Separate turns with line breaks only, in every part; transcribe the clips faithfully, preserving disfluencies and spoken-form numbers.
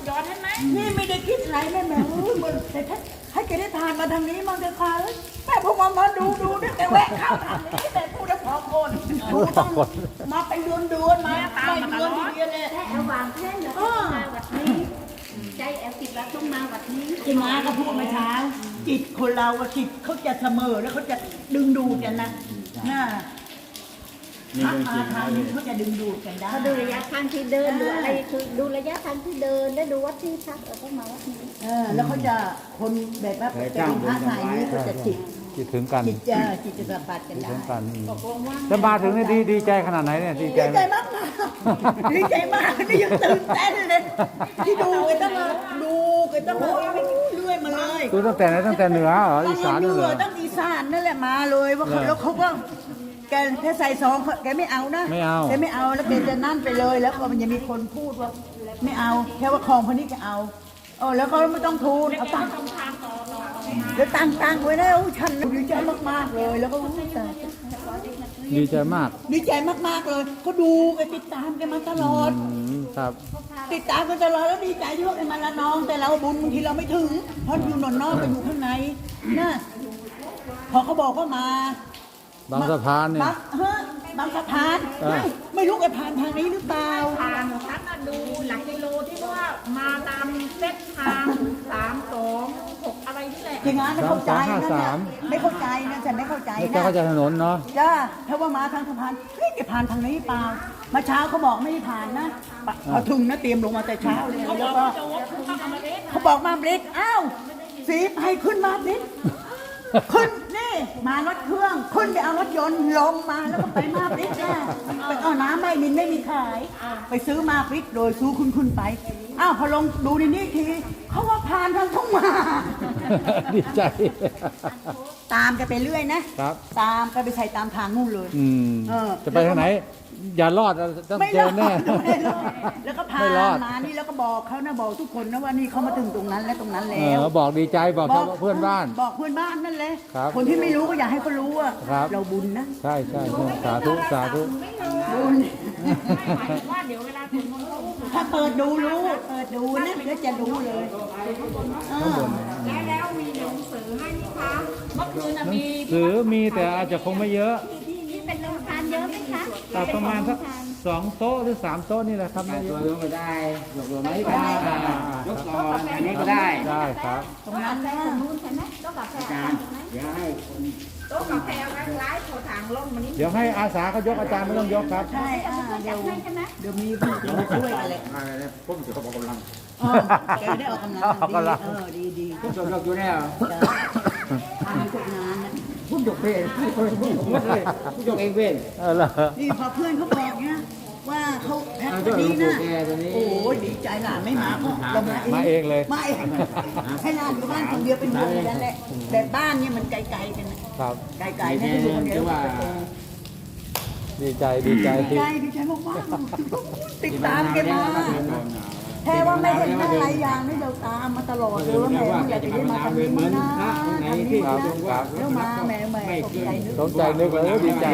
จรใช่ไหม
นี่ไม่ได้คิดอะไรแม่แม่เอ้ยมันแต่ถ้าให้แกได้ทานมาทางนี้มันจะคาเลยแม่พวกมันมาดูดูนี่แต่แวะเข้าทางนี้แต่พูดแล้วพอคนดูต้องมาไปเดือนเดือนมาตามเดือนทีเดียวเลย
ถ้าเอาวางแท่นแล้วก็มาวัดนี้ใจแอลติดแล้วต้องมาวัดนี้
จิมาก็พูดเมื่อเช้าจิตคนเราอะจิตเขาจะเสมอแล้วเขาจะดึงดูดกันนะน่าถ้ามาทางนี้เขาจะดึงดูดกันได้
เขาดูระยะทางที่เดินดูอะไรคือดูระยะทางที่เดินได้ดูวัดที่พักเราต้องมาวัดนี้
เออแล้วเขาจะคนแบบว่าเป็นพระสายนี้เขาจะจิต
คิดถึงกัน
จิตจะจิตจะสัมผัสกัน
คิด
ได้
ถึงกันแล้วมาถึงนี่ดีดีใจขนาดไหนเนี่ยดีใจ
ดี
ไหม
ใจมากมากดีใจมากนี่ยังตื่นเต้นเลยที่ดูกันตั้งแต่ดูกันตั้งแต่เรื่อยมาเลย
ดูตั้งแต่ไหนตั้งแต่เหนือเหรออีสาน
ตั้ง
เหรอ
ตั้งอีสานนั่นแหละมาเลยว่าเขา
เหรอ
แล้วเขาก็แกถ้าใส่ซองเขาแกไม่เอานะ
ไม่เอา
แกไม่เอาแล้วแกจะนั่นไปเลยแล้วก็มันจะมีคนพูดว่าไม่เอาแค่ว่าของคนนี้จะเอาเออแล้วก็ไม่ต้องทูลเอาตังค์แล้วตังค์ตังค์ไว้แล้วฉันดีใจมากๆเลยแล้วก็อู้แต่
ดีใจมาก
ดีใจมากๆเลยก็ดูแกติดตามแกมาตลอด
อืมครับ
ติดตามกันตลอดแล้วดีใจที่ว่าแกมาละน้อง แต่เราบุญบางทีเราไม่ถึงเพราะอยู่หนอนนอกไปอยู่ข้างในนะพอเขาบอกว่ามา
บางสะพานเนี่ย
บางเฮ้ยบางสะพาน
เออ
ไม่ไม่รู้แกผ่านทางนี้หรือเปล่า
ทางฉันน่ะดูหลักกิโลที่ว่ามาตามเส้นทางสามสองหกอะไรนี่แหละ
อย่างนั้นไม่เข้าใจ
สามสองห้า
นะ
สาม
ไม่เข้าใจนะฉันไม่เข้าใจ
ไม่
นะ
ใช่เข้าใจถนนเนาะ
จ้าถ้าว่ามาทางสะพานเฮ้ยแกผ่านทางนี้เปล่ามาเช้าเขาบอกไม่ได้ผ่านนะพอถึงนะเตรียมลงมาแต่เช้าเลยแล้วก็
จะวกเข้ามาเล็ก
เขาบอกมาบริกอ้าวสีให้ขึ้นมาบริกขึ้นนี่มารถเครื่องขึ้นไปเอารถยนต์ลงมาแล้วก็ไปมาบริกนะไปเอาน้ำไม่มินไม่มีขาย ไปซื้อมาบริกโดยซื้อคุณคุณไปอ้าวพอลงดูในนี้ทีเขาว่าผ่านทางทุ่งมา
ดีใจ
ตามกันไปเรื่อยนะครับ ตามกันไปใส่ตามทางนู่นเลย
อืม
เออ
จะไปทางไหน อย่ารอดต้อง
ไม่
เจ
ร
อ
อด
แน่
ไม่รอดแล้วก็พา
ไม่รอด
มานี่แล้วก็บอกเขานะบอกทุกคนนะว่านี่เขามาถึงตรงนั้นและตรงนั้น
เอ
แล้ว
อบอกดีใจบอกชาวเพื่อนบ้าน
บอกเพื่อนบ้านนั่นเลย
ครับ
คนที่ไม่รู้ก็อยากให้เขารู้ว่า
ครับ
เราบุญนะ
ใช่ใช่ใช่สาธุสาธุ
บุญ
หมายถึงว่าเดี๋ยวเวลาถึงมันเขา
ถ้าเปิดดูรู้เปิดดูนะแล้วจะรู้เลยเออ
แล้วแล้วมีหนังสือให้ไหมคะเมื่อคืนน่ะมี
หรือมีแต่อาจจะคงไม่เยอะ
ที่นี่เป็นโรงทานเยอะไหมคะ
แต่ประมาณสักสองโต๊ะหรือสามโต๊ะนี่แหละครับไม่เย
ตัว
อะ
ยกก็ได้ยกตัวไหนก็ได้ยกก่อนอันนี้ก็ได้
ได้ครับ
ตรงนั้นนะ
ตรงนู้นใช่ไหมต้องกาแฟ
อาจารย์เดี๋ยวให้คน
โต๊ะกาแฟไว้ร้ายโถทางลงมันนี่
เดี๋ยวให้อาสาเขายกอาจารย์ไม่ต้องยกครับ
ใช่อ่าเดี๋ยว
ใช่ไหม
เดี๋ยวมีผู้มาช่วยกันเลย
อะไรพุ่มจะเขาบอกกำลัง
เออแกได้ออกกำลัง
ออกกำลัง
ดีเออดีดี
พุ่มจะยกอยู่แล้ว
ทำทุกงานนะ
พุ่มยกเองพุ่มเลยพุ่มยกเองเป็น
เออเหรอ
นี่พอเพื่อนเขาบอกเนี่ยว่าเขาแพ็คตัวนี้นะโอ้ยดีใจหลานไม่มาก็เรามาเอง
มาเองเลย
มาเองให้หลานอยู่บ้านคนเดียวเป็นห่วงนั่นแหละแต่บ้านเนี่ยมันไกลๆกันนะครับ ไกลๆนะที่อยู่คนเดียว
ดีใจดีใจ
ดี
ที่
ใจดีใจมากๆติดตามแกมาแค่ว่าไม่เห็นอะไรอย่างนี่เราตามมาตลอดเลยว่าแม่อยากจะได้มาทำนี้นะทำนี้นะแล้วมาแม่แม่ตกใจนึก
สนใจนึกเลยดีใจ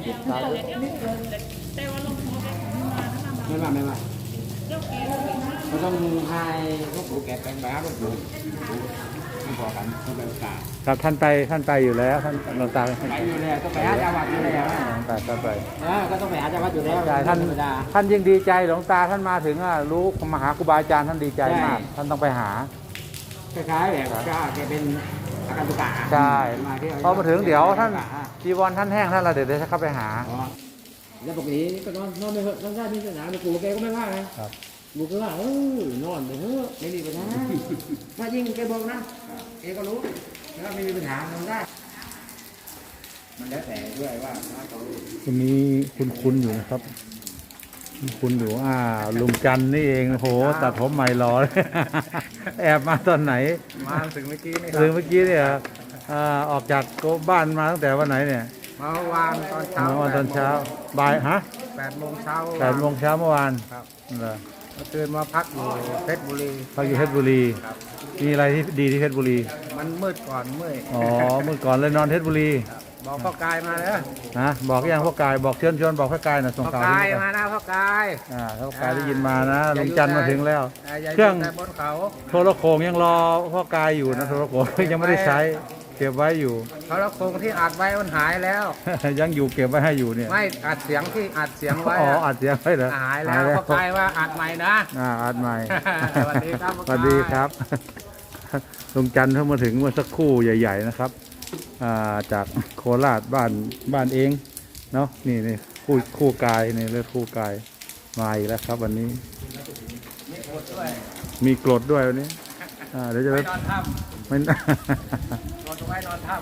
ไม่มาไม่มาเราต้องให้พวกปู่แกแต่งแบบพวกปู่ไม่พอกันต้องไปกา
ครับท่านไปท่านไปอยู่แล้วท่านหลวงตา
ไปอยู่แล้วต้องไปหาจังหวัดอยู่แล้ว
ไปก็ไป
ก็ต้องไปหาจังหวัดอยู่แล้ว
ใช่ท่านท่านยิ่งดีใจหลวงตาท่านมาถึงอ่ะรู้มาหาครูบาอาจารย์ท่านดีใจมาก ท่านต้องไปหา
คล้ายๆแบบก็แกเป็นอาการตุกะ
ใช่พอมาถึงเดี๋ยวท่านจีวรท่านแห้งท่านละเดี๋ยวจะเข้าไปหา
แล้วปกติก็นอนนอนไม่เหอะนอนได้ที่สนามปู่แกก็ไม่ว่าไง
ครับ
ปู่ก็ว่าเออนอนไปเถอะไม่มีปัญหาถ้ายิ่งแกบอกนะแกก็รู้แล้วไม่มีปัญหานอนได้ มันแล้วแต่ด้วยว่าเขา
วันนี้คุณคุณอยู่นะครับคุณคุณอยู่อ่าลุงจันนี่เองโหตัดผมใหม่รอเลย แอบมาตอนไหน
มาถึงเมื่อกี้นี่
ถึงเมื่อกี้เนี่ยอ่าออกจากบ้านมาตั้งแต่วันไหนเนี่ย
เมื่อวานตอนเช้า
เมื่อวันตอนเช้าบ่ายฮะ
แปดโมงเช้า
แปดโมงเช้าเมื่อวาน
ครับ
เหรอ
เมื่อคืนมาพักอยู่เพชรบุรี
พักอยู่เพชรบุรี
ครับ
มีอะไรที่ดีที่เพชรบุรี
มันมืดก่อนเมื่อย
อ๋อเมื่อก่อนเลยนอนเพชรบุรี
บอกพ่อกายมาเลย
ฮะบอกยังพ่อกายบอกเชิญชวนบอกพ่อกายนะส่ง
พ่อ
ข่าว
กาย
ที่
มานะพ่อกาย
อ่าพ่อกายได้ยินมานะลุงจันทร์มาถึงแล้ว
ย่า
เครื่อง
ยู่แต่บนเขา
โทรโขงยังรอพ่อกายอยู่นะโทรโขง ยังไม่ได้ใช้เก็บไว้อยู่
เขาแล้วโครงที่อัดไว้มันหายแล้ว
ยังอยู่เก็บไว้ให้อยู่เนี่ย
ไม่อัดเสียงที่อัดเสียงไว้
อ๋อ
อะ
อัดเสียงไว้เหรอ
หายแล้วพ่อกายว่าอัดใหม่นะ
อ่าอัดใหม่
สวัสดีครับพ่อ
สวัสดีครับ ลุงจันทร์เพิ่งมาถึงเมื่อสักครู่ใหญ่ ๆนะครับอ่าจากโคราชบ้านบ้านเองเนาะนี่นี่คู่คู่กายนี่เลือดคู่กายมาอีกแล้วครับ วันนี้
มีกดด้วย
มีกรดด้วยวันนี้อ่าเดี๋ยวจะ
ไป
ไป
นอนถ้
ไม่
ำนอนตรงไว้นอนถ้ำ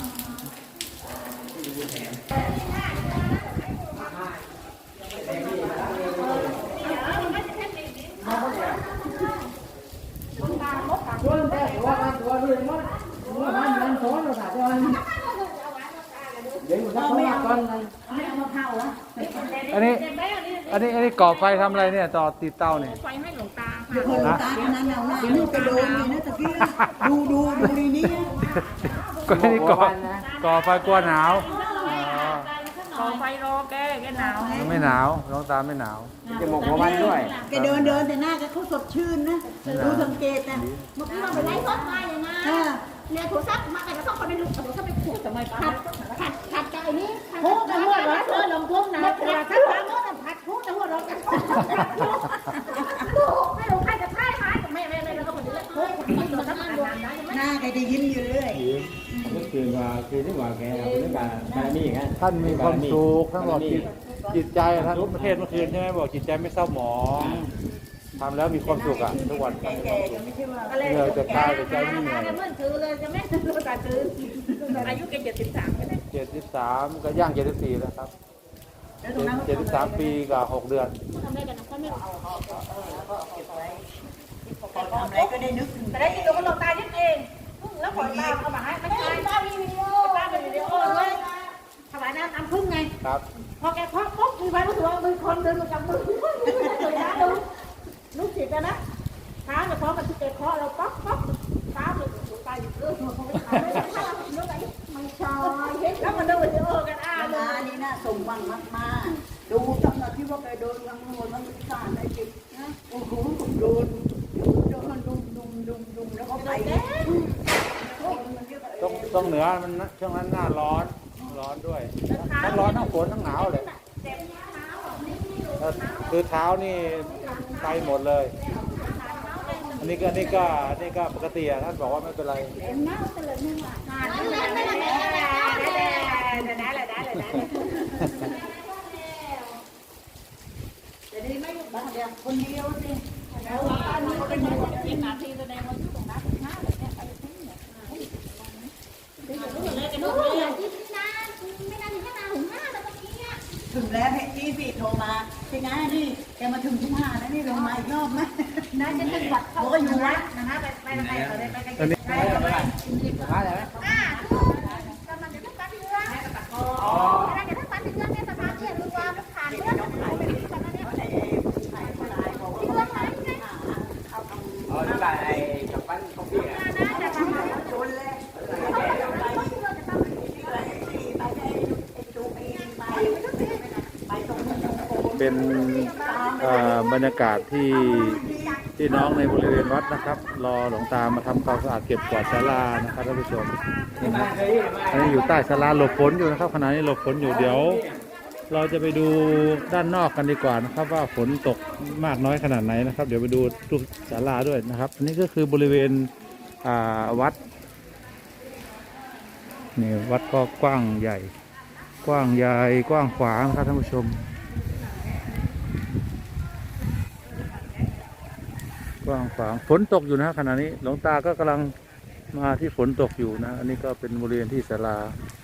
พ่อไม่เอาไม่เอามะพร้าวอ่ะ
อันนี้ อันนี้อันนี้ก่อไฟทำอะไรเนี่ยต่อติดเตาเนี่ย
ไฟให้หลวงตา
เดี๋ยว
ค่ะ
คนตาคนนั้นเอาหน้านี่ไปโดนเลยนะตะกี้ดูดูดูในนี้
ก็นี่ก่อก่อไฟกลัวหนาว
ขอไฟรอแกแกหนาว
อ๋อไม่หนาวน้องตาไม่หนาว
จะหมกหัววันด้วย
แกเดินเดินแต่หน้าแกเขาสดชื่นนะดูสังเกตนะ
เมื่อกี้เราไปไล่ซดมาเลยนะ
อ่า
เนี่ยโทรศัพท์มาแต่ก็ต้องคนไปดูโทรศัพท์ไปขูดทำไมผัดผัดผัดไก่นี่
โอ้แต่หัวเราะเธอลงทุ่งนะ
ผัดผัดผัดผัดผัดพูดแต่หัวเราะกันลูกไม่รู้ใครจะพ่ายหายกับแม่แม่แม่แล้วก็คนเดียวเฮ้ยมันจะทำงานได้ไหม
หน้าแกจะยิ้มอยู่เรื่อย
ก็คือว่าคือที่ว่าแกเป็นเรื่องการบารมีไง
ท่านมีความสุขท่านบอกจิตจิตใจท่านรู้ประเทศเมื่อคืนใช่ไหมบอกจิตใจไม่เศร้าหมองทำแล้วมีความสุขอ่ะทุกวัน
แกแกก็ไม่ใช่ว่า
เหนื่อยแต่กายแต่ใจไม่เหนื่อย
จะมันถือเลยจะไม่รู้การถือ
อายุแกเจ็ดสิบสามก็ได้
เจ็ดสิบสามก็ย่างเจ็ดสิบสี่แล้วครับ
แล้วตรงนั้น
เจ็ดสิบสามปีกับหกเดือน
ทำได้กันนะก็ไม่รู้
พอทำอะไรก็ได้นึกถึง
แต่ได้ยินหลวงหลวงตายึดเองแล้วขอตาเอามาให้ไม่ใช่
ตามีวิดีโอ
ตาเป็นวิดีโอด้วยถวายน้ำตามพึ่งไง
ครับ
พอแกเคาะปุ๊บมีไว้รู้สึกว่ามือคนเดินมาจับมือเลยนะดูลูกศิษย์นะเท้าจะเคาะมันที่เตะเคาะเราป๊อกป๊อกเท้าเลยหลวงตาหยุดเออเขาไม่ทำไม่ได้ถ้าเราเนื้อไป
ไม่ชอยเห็น
แล้วมันดูวิดีโอกันอ่ะ
อามานี่น่าส่งบังมากมาดูจังหวะที่ว่าแกโดนยังโดนมันสานไอ้จิตนะโอ้โหโดนโดนดุมดุมดุมดุมแล้วก็ไป
ต้องต้องเหนือมันนะช่วงนั้นหน้าร้อนร้อนด้วยทั้งร้อนทั้งฝนทั้งหนาวเลยแล้วคือเท้านี่ไปหมดเลย อันนี้ก็อันนี้ก็อันนี้ก็ปกติอะท่านบอกว่าไม่เป็นไร
แต่นี่ไม่บ้านเดียวคนเดียวสิ
แล้วอันนี้ก็เป็นหมวดเจ็ดนาทีแสดงว่าอยู่ตรงนั้นนะแบบเนี้ยไปที่เนี่ย
รู้อย่างที่นานไม่นานถึงแค่นานถึงห้าแล้วเมื่อกี้เนี่ย
ถึงแล้วให้ที่พี่โทรมาเป็นไงนี่แกมาถึงทุ่งหาแล้วนี่ลงมาอีกรอบไหม
น่าจะเป็นวัด
เขาก็อยู่วัด
นะคะไปไปไปไปไปไป
อันนี้
ไปไป
มาเลยไหม
อ่ากำลังจะทั้งการเมืองกำลังจะทั้งการเมืองในสภาเนี่ยรู้ว่าผ่านเรื่องอะไรเป็นแบบนี้เรื่องอะไรไง
อ๋อที่บ้านไอ้กับปั้นข้าวเปียก
น่าจะทำอะไร
โดนเลย
เป็นเอ่อบรรยากาศที่ที่น้องในบริเวณวัดนะครับ รอหลวงตามาทำความสะอาดเก็บกวาดศาลานะครับท่านผู้ชมนี่นะอันนี้อยู่ใต้ศาลาหลบฝนอยู่นะครับขณะนี้หลบฝนอยู่เดี๋ยว เราจะไปดูด้านนอกกันดีกว่านะครับ ว่าฝนตกมากน้อยขนาดไหนนะครับ เดี๋ยวไปดูทุกศาลาด้วยนะครับ อันนี้ก็คือบริเวณอ่าวัดนี่วัดก็กว้างใหญ่ กว้างใหญ่กว้างขวางนะครับท่านผู้ชม กว้างขวางฝนตกอยู่นะขณะนี้หลวงตาก็กำลังมาที่ฝนตกอยู่นะ อันนี้ก็เป็นบริเวณที่ศาลา